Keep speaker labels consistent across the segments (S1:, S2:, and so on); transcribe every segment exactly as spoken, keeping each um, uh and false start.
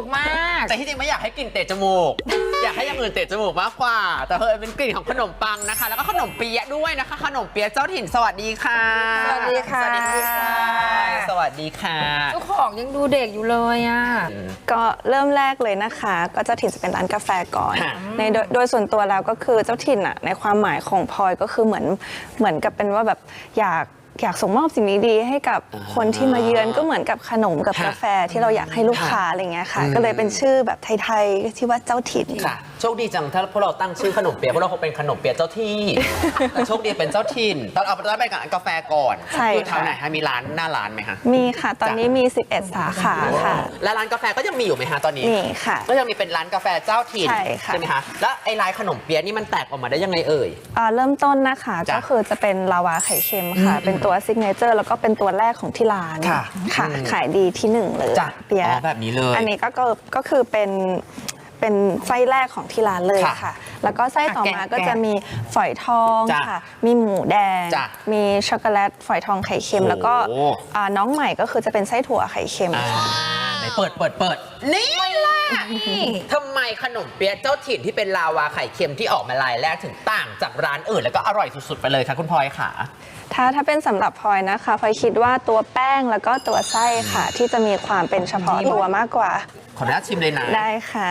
S1: กมาก
S2: แต่ที่จริงไม่อยากให้กลิ่นเตะจมูก อยากให้อย่างอื่นเตะจมูกมากกว่าแต่เฮ้ยเป็นกลิ่นของขนมปังนะคะแล้วก็ขนมเปี๊ยะด้วยนะคะขนมเปี๊ยะเจ้าถิ่นสวัสดีค่ะ
S1: สวัสดีค่ะ
S2: สวัสดีค่ะสวัสดีค่ะ
S1: เจ้าของยังดูเด็กอยู่เลยอ่ะ
S3: ก็เริ่มแรกเลยนะคะก็เจ้าถิ่นจะเป็นร้านกาแฟก่อนในโดยโดยส่วนตัวแล้วก็คือเจ้าถิ่นอ่ะในความหมายของพลอยก็คือเหมือนเหมือนกับเป็นว่าแบบอยากอยากส่งมอบสิ่งดีๆให้กับคนที่มาเยือนก็เหมือนกับขนมกับกาแฟที่เราอยากให้ลูกค้าอะไรเงี้ยค่ะก็เลยเป็นชื่อแบบไทยๆที่ว่าเจ้าถิ่น
S2: ค่ะโชคดีจังถ้าพวกเราตั้งชื่อขนมเปี๊ยะพวกเราคงเป็นขนมเปี๊ยะเจ้าที่แต่โชคดีเป็นเจ้าถิ่นตอนเอาตอนไปกับกาแฟก่อนคือแถวไหนคะมีร้านหน้าร้านไหมคะ
S3: มีค่ะตอนนี้มีสิบเอ็ดสาขาค่ะ
S2: และร้านกาแฟก็ยังมีอยู่ไหมคะตอนนี้
S3: มีค่ะ
S2: ก็ยังมีเป็นร้านกาแฟเจ้าถิ่นใช่ไหมคะแล้วไอ้ร้านขนมเปี๊ยะนี่มันแตกออกมาได้ยังไงเอ่ย
S3: เริ่มต้นนะคะก็คือจะเป็นลาวาไข่เค็มค่ะเป็นตัวซิกเนเจอร์แล้วก็เป็นตัวแรกของที่ร้านค่ะขายดีที่หนึ่งเลย
S2: เปี๊ยะแบบนี้เลย
S3: อันนี้ก็ก็คือเป็นเป็นไส้แรกของที่ร้านเลยค่ะแล้วก็ไส้ต่อมาก็จะมีฝอยทองค่ะมีหมูแดงมีช็อกโกแลตฝอยทองไข่เค็มแล้วก็น้องใหม่ก็คือจะเป็นไส้ถั่วไข่เค็มค่ะ
S2: ไหนเปิดเปิดเปิดนี่ล่ะทำไมขนมเปี๊ยะเจ้าถิ่นที่เป็นลาวาไข่เค็มที่ออกมาลายแรกถึงต่างจากร้านอื่นแล้วก็อร่อยสุดๆไปเลยค่ะคุณพลอยค่ะ
S3: ถ้าถ้าเป็นสำหรับพลอยนะคะพลอยคิดว่าตัวแป้งแล้วก็ตัวไส้ค่ะที่จะมีความเป็นเฉพาะตัวมากกว่า
S2: ขออนุญาตชิมเลยนะ
S3: ได้ค่ะ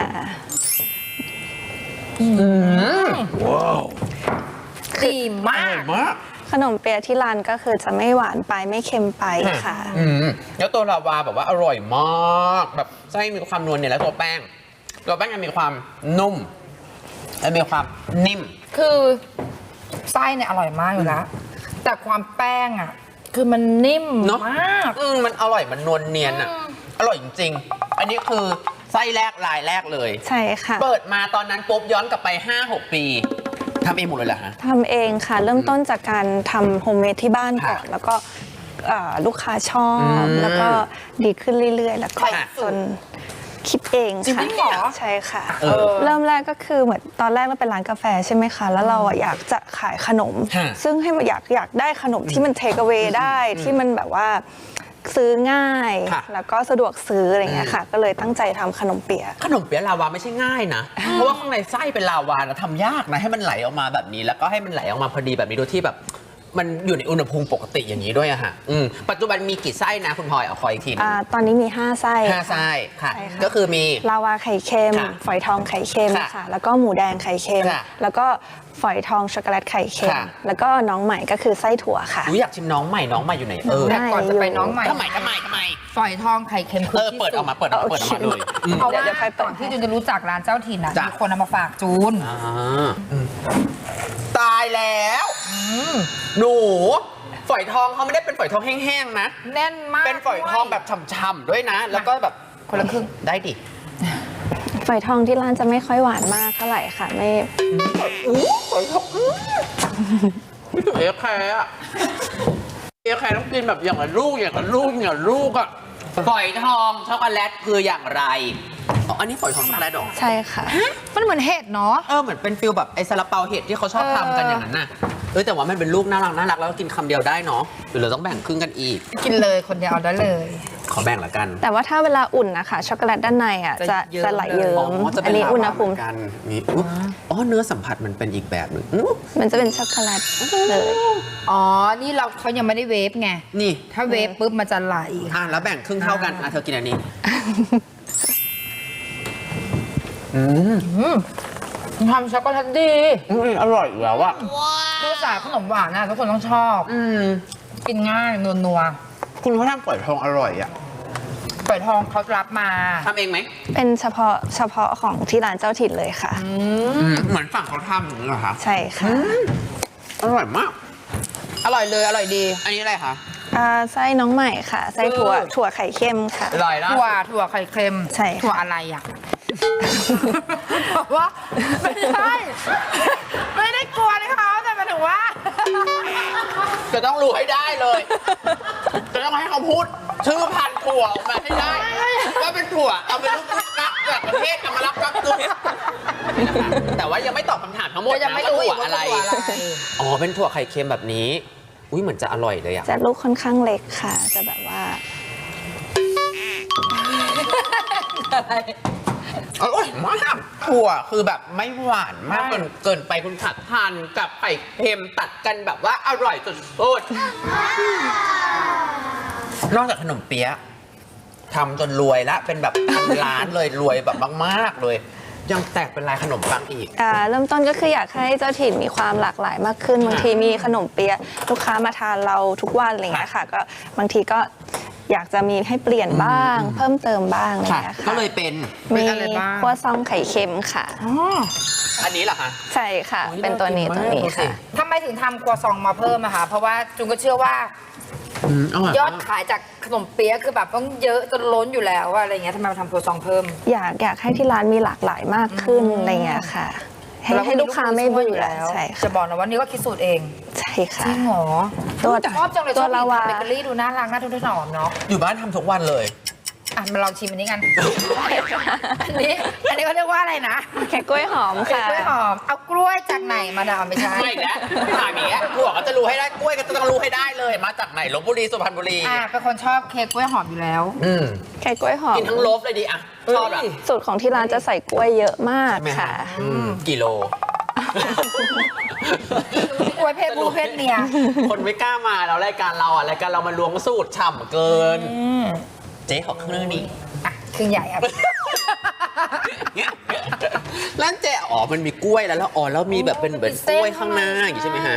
S2: ว้าว
S1: ดีมาก
S3: ขนมเปี๊ยะที่ร้านก็คือจะไม่หวานไปไม่เค็มไปค่ะ
S2: แล้วตัวลาวาแบบว่าอร่อยมากแบบไส้มีความนวลเนี่ยแล้วตัวแป้งตัวแป้งยังมีความนุ่มและมีความนิ่ม
S1: คือไส้เนี่ยอร่อยมากอยู่แล้วแต่ความแป้งอ่ะคือมันนิ่มมาก
S2: อืมมันอร่อยมันนวลเนียนอ่ะอร่อยจริงๆอันนี้คือไส้แรกลายแรกเลย
S3: ใช่ค่ะ
S2: เปิดมาตอนนั้นปุ๊บย้อนกลับไป ห้าหก ปีทำเองหมดเลยเหรอฮะ
S3: ทำเองค่ะเริ่มต้นจากการทำโฮมเมดที่บ้านก่อนแล้วก็ลูกค้าชอบแล้วก็ดีขึ้นเรื่อยๆแล้วก็จนคิดเองค่ะใช่ค่ะเริ่มแรกก็คือเหมือนตอนแรกเราเป็นร้านกาแฟใช่ไหมคะแล้วเราอยากจะขายขนมซึ่งให้มันอยากอยากได้ขนมที่มันเทคเอาไว้ได้ที่มันแบบว่าซื้อง่ายแล้วก็สะดวกซื้ออะไรเงี้ยค่ะก็เลยตั้งใจทำขนมเปี๊ยะ
S2: ขนมเปี๊ยะลาวาไม่ใช่ง่ายนะเพราะว่าข้างในไส้เป็นลาวานะทำยากนะให้มันไหลออกมาแบบนี้แล้วก็ให้มันไหลออกมาพอดีแบบนี้โดยที่แบบมันอยู่ในอุณหภูมิปกติอย่างนี้ด้วยอะค่ะปัจจุบันมีกี่ไส้นะคุณพลอยเอาคอยอีกที
S3: ตอนนี้มีห้าไส้
S2: ห้าไส้ค่ะก็คือมี
S3: ลาวาไข่เค็มฝอยทองไข่เค็มค่ะแล้วก็หมูแดงไข่เค็มแล้วก็ฝอยทองช็อกโกแลตไข่เค็มแล้วก็น้องใหม่ก็คือไส้ถั่วค่ะ
S2: อยากชิมน้องใหม่น้องใหม่อยู่ไหนเออ
S1: แต่ก่อนจะไปน้องใหม่
S2: ทำไมทำไมทำไม
S1: ฝอยทองไข่เค็ม
S2: เออเปิดออกมาเปิดออกมาเปิดออกมาเลย
S1: เพราะว่าก่อนที่จูนจะรู้จักร้านเจ้าถิ่นมีคนเอามาฝากจูน
S2: ตายแล้วหนูฝอยทองเขาไม่ได้เป็นฝอยทองแห้งๆนะ
S1: แน่นมาก
S2: เป็นฝอยทองแบบฉ่ำๆด้วยนะแล้วก็แบบ
S1: คนละครึ่ง
S2: ได้ดิ
S3: ฝอยทองที่ร้านจะไม่ค่อยหวานมากเท่าไหร่ค่ะไม่
S2: อู้ฝอยทองไม่ถึงเอฟแคร์อะเอฟแคร์ต้องกินแบบอย่างละลูกอย่างละลูกอย่างละลูกอะฝอยทองช็อกโกแลตคืออย่างไรอันนี้ฝอยทองช็อกโกแลตหรอ
S3: ใช่ค่ะ
S1: มันเหมือนเห็ดเนาะ
S2: เออเหมือนเป็นฟิลแบบไอ้ซาลาเปาเห็ดที่เขาชอบทำกันอย่างนั้นน่ะเออแต่ว่ามันเป็นลูกน่ารักน่ารักแล้วกินคำเดียวได้เนาะหรือเราต้องแบ่งครึ่งกันอีก
S1: กินเลยคนเดียวเอาได้เลย
S2: ขอแบ่งละกัน
S3: แต่ว่าถ้าเวลาอุ่นนะคะช็อกโกแลตด้านในอ่ะจะจะไหลเยิ้มอันนี้อุณหภูมิ
S2: กันนี่อ๋อเนื้อสัมผัสมันเป็นอีกแบบหนึ่ง
S3: มันจะเป็นช็อกโกแลตเลย
S1: อ๋อนี่เราเขายังไม่ได้เวฟไง
S2: นี่
S1: ถ้าเวฟปุ๊บมันจะไหล
S2: อ่ะแล้วแบ่งครึ่งเท่ากันอ่ะเธอกินอันนี้
S1: อืมทำช็อกโกแลตดี
S2: อร่อยอยู่แล้วอะ
S1: คือสายขนมหวานนะทุกคนต้องชอบกินง่ายนัว
S2: ๆคุณเขาทำฝอยทองอร่อยอะ
S1: ฝอยทองเขารับมา
S2: ทำเองไหม
S3: เป็นเฉพาะเฉพาะของที่ร้านเจ้าถิ่นเลยค่ะ
S2: เหมือนฝั่งเขาทำอย่างนี้เหรอคะ
S3: ใช่ค่ะ
S2: อร่อยมาก
S1: อร่อยเลยอร่อยดี
S2: อันนี้อะไรคะ
S3: ไส้น้องใหม่ค่ะไส้ถั่วถั่วไข่เค็มค่ะ
S2: อร่อยนะ
S1: ถั่วถั่วไข่เค็ม
S3: ใช่
S1: ถั่วอะไรอ่ะบอกว่าไม่ใช่ไม่ได้กลัวเลยเขาแต่หมายถึงว่า
S2: จะต้องรู้ให้ได้เลยจะต้องให้เขาพูดชื่อพันธุ์ถั่วออกมาให้ได้ว่าเป็นถั่วเอาเป็นลูกนักจากประเทศเอามารับรับตัวแต่ว่ายังไม่ตอบคำถามทั้งหมดนะว่าถั่วอะไรอ๋อเป็นถั่วไข่เค็มแบบนี้อุ้ยเหมือนจะอร่อยเลยอะ
S3: จะลูกค่อนข้างเล็กค่ะจะแบบว่า
S1: อะไร
S2: อร่อยมากถั่วคือแบบไม่หวานมากเกินเกินไปคุณขัดทานกับไข่เค็มตัดกันแบบว่าอร่อยสุดๆนอกจากขนมเปี๊ยะทำจนรวยละเป็นแบบพันล้านเลยรวยแบบมากๆเลย ยังแตกเป็นลายขนมปังอีก
S3: อ่าเริ่มต้นก็คืออยากให้เจ้าถิ่นมีความหลากหลายมากขึ้นบางทีมีขนมเปี๊ยะลูกค้ามาทานเราทุกวันอะไรอย่างเงี้ยค่ะก็บางทีก็อยากจะมีให้เปลี่ยนบ้าง เพิ่มเติมบ้างอะไรอย่างเงี้ยค่ะ
S2: ก็เลยเป็น
S3: มี
S1: อะไรบ้าง
S3: ครัวซองไข่เค็มค่ะ
S2: อันนี้เหรอคะ
S3: ใช่ค่ะ
S2: โอ้ย
S3: เป็นตัวนี้
S2: น่า
S3: ตัว
S2: กินมาก
S3: นี้
S2: ดูสิ
S3: ค่ะ
S1: ทำไมถึงทำครัวซองมาเพิ่มอะคะเพราะว่าจุงก็เชื่อว่า
S2: อืมอร่อย
S1: ยอด
S2: มาก
S1: ขายจากขนมเปี๊ยะคือแบบต้องเยอะจนล้นอยู่แล้วอะอะไรเงี้ยทำไมมาทำครัวซองเพิ่ม
S3: อยากอยากให้ที่ร้านมีหลากหลายมากขึ้นอะไรอย่างเงี้ยค่ะ ให้
S1: เร
S3: ให้ลูกค้าไม่
S1: ช่วย
S3: เบื่
S1: อยู่
S3: อ
S1: แล้ว
S3: ใช่
S1: จะ
S3: ค่ะ
S1: บอกนะว่านี่ก็คิดสูตรเอง
S3: ใช่ค่ะ
S1: จริงเหรอ
S3: ตัว
S1: ชอบจังเลยช
S3: ตั
S1: อ
S3: ว
S1: บ
S3: ลาวา
S1: เบเกอรี่ดูน่ารักน่าทุกทนอมเนาะ
S2: อยู่บ้านทำทุกวันเลย
S1: อ่ะมาลองชิมอันนี้กัน อันนี้อันนี้เขาเรียกว่าอะไรนะ
S3: แค่กล้วยหอม
S1: เป็น
S3: ค่ะ
S1: กล้วยหอมเอากล้วยจากไหนมาดามไม่ใช่
S2: ไม่แล้วถามอย่างเงี้ยถั่วก็จะรู้ให้ได้กล้วยก็จะต้องรู้ให้ได้เลย มาจากไหนลบบุรีสุพรรณบุรี
S1: อ่ะเป็นคนชอบเค้กกล้วยหอมอยู่แล้ว
S2: อืม
S3: แค่กล้วยหอม
S2: กินทั้งโลบเลยดิอ่ะชอบอ่ะ
S3: สูตรของที่ร้านจะใส่กล้วยเยอะมาก
S2: ใช่ไหม
S3: ค่ะ
S2: อืมกี่โล
S1: กล้วยเพศผู้เพศเมีย
S2: คนไม่กล้ามาแล้วรายการเราอ่ะรายการเรามันล้วงสูตรฉ่ำเกิน เจ๊ขอครึ่งนี้
S1: อ่ะครึ่งใหญ่อ่ะ
S2: ร้านเจ๊อ๋อมันมีกล้วยแล้วแล้วอ๋อแล้วมีแบบเป็นเหมือนกล้วยข้างหน้าอย่างงี้ใช่ไหมฮะ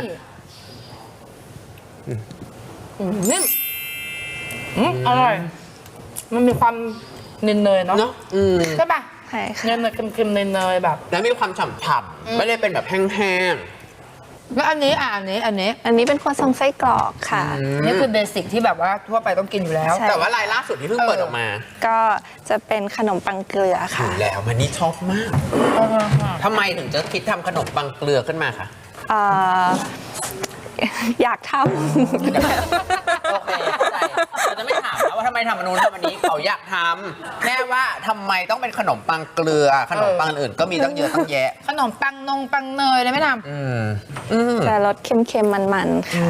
S1: อืมนิ่มอืมอร่อย มันมีความเนยๆเนาะ
S2: เนาะอืม
S1: ใช่ป่ะ
S3: ใช่ค่ะ
S1: เนยๆเค็มๆเนยๆแบบ
S2: แล้วมีความฉ่ำๆไม่ได้เป็นแบบแห้ง
S1: แล้วอันนี้อ่ะอันนี้อันนี้
S3: อันนี้เป็นครัวซองไส้กรอกค่ะ
S2: ๆอืม
S1: นี่คือเบสิกที่แบบว่าทั่วไปต้องกินอยู่แล้ว
S3: ใช่
S2: แต่ว่าลายล่าสุดที่เพิ่งเปิดออกมา
S3: ก็จะเป็นขนมปังเกลือ
S2: อ
S3: ค่ะ
S2: ยู่แล้วมันนี่ชอบมากทำไมถึงจะคิดทำขนมปังเกลือขึ้นมาคะ
S3: เอ่อ อยากท
S2: โอเคเข้าใจเราจะไม่ถามแล้วว่าทำไมทำอันนู้นทำอันนี้เขาอยากทำแน่ว่าทำไมต้องเป็นขนมปังเกลือ ขนมปังอื่นก็มีตั้งเยอะตั้งแยะ
S1: ขนมปังนงปังเนยเลยไม่ท
S2: อืมอืม
S3: ำจะรสเค็มๆมันๆค่ะ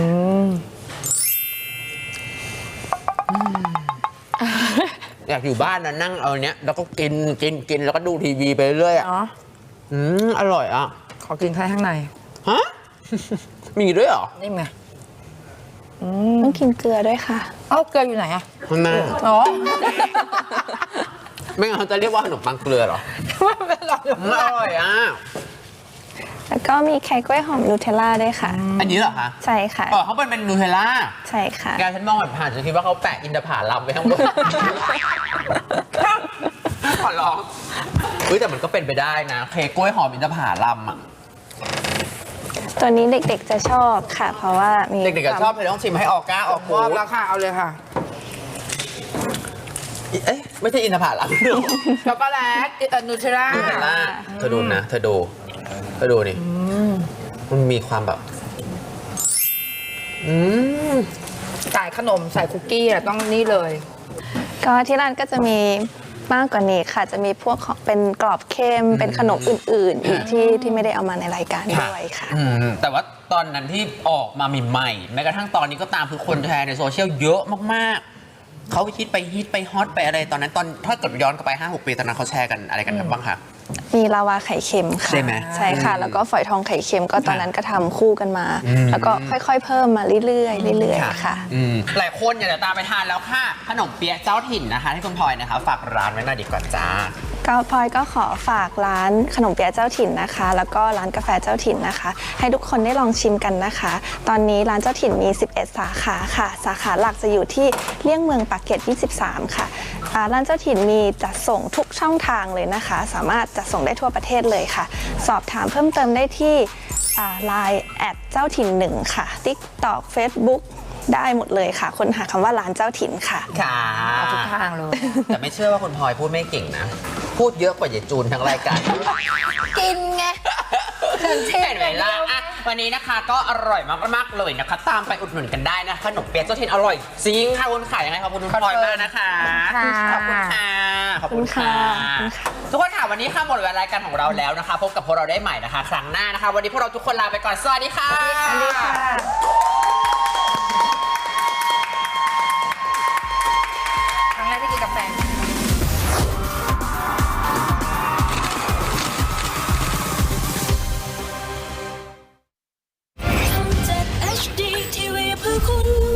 S2: อยากอยู่บ้านนะนั่งเอาเนี้ยแล้วก็กินกินกินแล้วก็ดูทีวีไปเรื่อยๆอะ
S1: เนาะ
S2: อืมอร่อยอ่ะ
S1: ขอกินแค่ข้างใน
S2: ฮะ มีด้วยเหรอ
S1: นี่ไง
S3: ต้องกินเกลือด้วยค่ะ
S1: เอ้าเกลืออยู่ไหนอะ
S2: ข้างหน้า
S1: อ๋อ
S2: ไม่งั้นเขาจะเรียกว่าขนมปังเกลือเหรอ
S1: ไม่หรอก
S2: อืมอร่อยอ่ะ
S3: แล้วก็มีไข่กล้วยหอมนูเทลล่าด้วยค่ะ
S2: อันนี้เหรอคะ
S3: ใช่ค่ะ
S2: อ๋อเขาเป็นเป็นนูเทลล่า
S3: ใช่ค่ะ
S2: แกฉันมองผ่านๆฉันคิดว่าเขาแปะอินทผลัมไว้ข้างบน ขอร้องเฮ้ยแต่มันก็เป็นไปได้นะเค้กกล้วยหอมอินทผลัมอ่ะ
S3: ตัวนี้เด็กๆจะชอบค่ะ เพราะว่ามี
S2: เด็กๆก็ชอบเลยต้องชิมให้ออกก้าออก
S1: ม
S2: หู
S1: อบแล้วค่ะ เอาเลยค่ะ
S2: เอ๊ะไม่ใช่อินทผลัม
S1: ช็อกโกแลตเอ่อนูเทลล่า
S2: นูเทลล่าเธอดูนะเธอดูเธอดูนี่มันมีความแบบ อืม
S1: ใส่ขนมใส่คุกกี้อะต้องนี่เลย
S3: ก็ที่ร้านก็จะมีมากกว่านี้ค่ะ จะมีพวกของเป็นกรอบเค็มเป็นขนมอื่นๆ อีกที่ที่ไม่ได้เอามาในรายการด้วยค่ะ
S2: อืมแต่ว่าตอนนั้นที่ออกมาใหม่ๆแม้กระทั่งตอนนี้ก็ตามคือคนแชร์ในโซเชียลเยอะมากๆ เขาฮิตไปฮิตไปฮอตไปอะไรตอนนั้นตอนถ้าเกิดย้อนกลับไป ห้าหก ปีตอนนั้นเขาแชร์กันอะไรกันบ้างคะ
S3: มีลาวาไข่เค็มค่ะ
S2: ใช่ไหม
S3: ใช่ค่ะ แล้วก็ฝอยทองไข่เค็มก็ตอนนั้นก็ทำคู่กันมา
S2: อืม
S3: แล้วก็ค่อยๆ เพิ่มมาเรื่อยๆเรื่อยๆค่ะ
S2: อืมหลายคนอยากจะตามไปทานแล้วค่ะ ขนมเปี๊ยะเจ้าถิ่นนะคะที่คุณพลอยนะคะฝากร้านไว้หน่อยดีกว่าจ้า
S3: ก็พลอยก็ขอฝากร้านขนมเปี๊ยะเจ้าถิ่นนะคะ แล้วก็ร้านกาแฟเจ้าถิ่นนะคะ ให้ทุกคนได้ลองชิมกันนะคะ ตอนนี้ร้านเจ้าถิ่นมี สิบเอ็ด สาขาค่ะ สาขาหลักจะอยู่ที่เลี่ยงเมืองปากเกร็ด ยี่สิบสาม ค่ะอ่าร้านเจ้าถิ่นมีจัดส่งทุกช่องทางเลยนะคะ สามารถจัดส่งได้ทั่วประเทศเลยค่ะ สอบถามเพิ่มเติมได้ที่ไลน์แอดเจ้าถิ่นหนึ่งค่ะ TikTok Facebook ได้หมดเลยค่ะค้นหาคำว่าร้านเจ้าถิ่นค่ะ
S2: ค่ะ
S1: เอาทุกทางเลย
S2: แต่ไม่เชื่อว่าคุณพลอยพูดไม่เก่งนะ พูดเยอะกว่าเยายจูนทั้งรายการ
S1: กินไง
S2: เห็นไหมล่ะอ่ะวันนี้นะคะก็อร่อยมากๆเลยนะคะ ตามไปอุดหนุนกันได้นะขนมเปี๊ยะเจ้าถิ่นอร่อยจริงค่ะคุณขายยังไงขอบคุณคุณพลอยมากนะคะ
S1: ค่ะ
S2: ขอบคุณค่ะขอบคุณค่ะ
S3: ขอบคุณค่ะ
S2: ทุกคนค่ะวันนี้ค่ะหมดเวลารายการของเราแล้วนะคะ พบกับพวกเราได้ใหม่นะคะ ครั้งหน้านะคะ วันนี้พวกเราทุกคนลาไปก่อนสวัสดีค่ะ
S3: สวัสดีค่ะ
S1: ครั้งแรกที่กินกาแฟ
S4: คุณ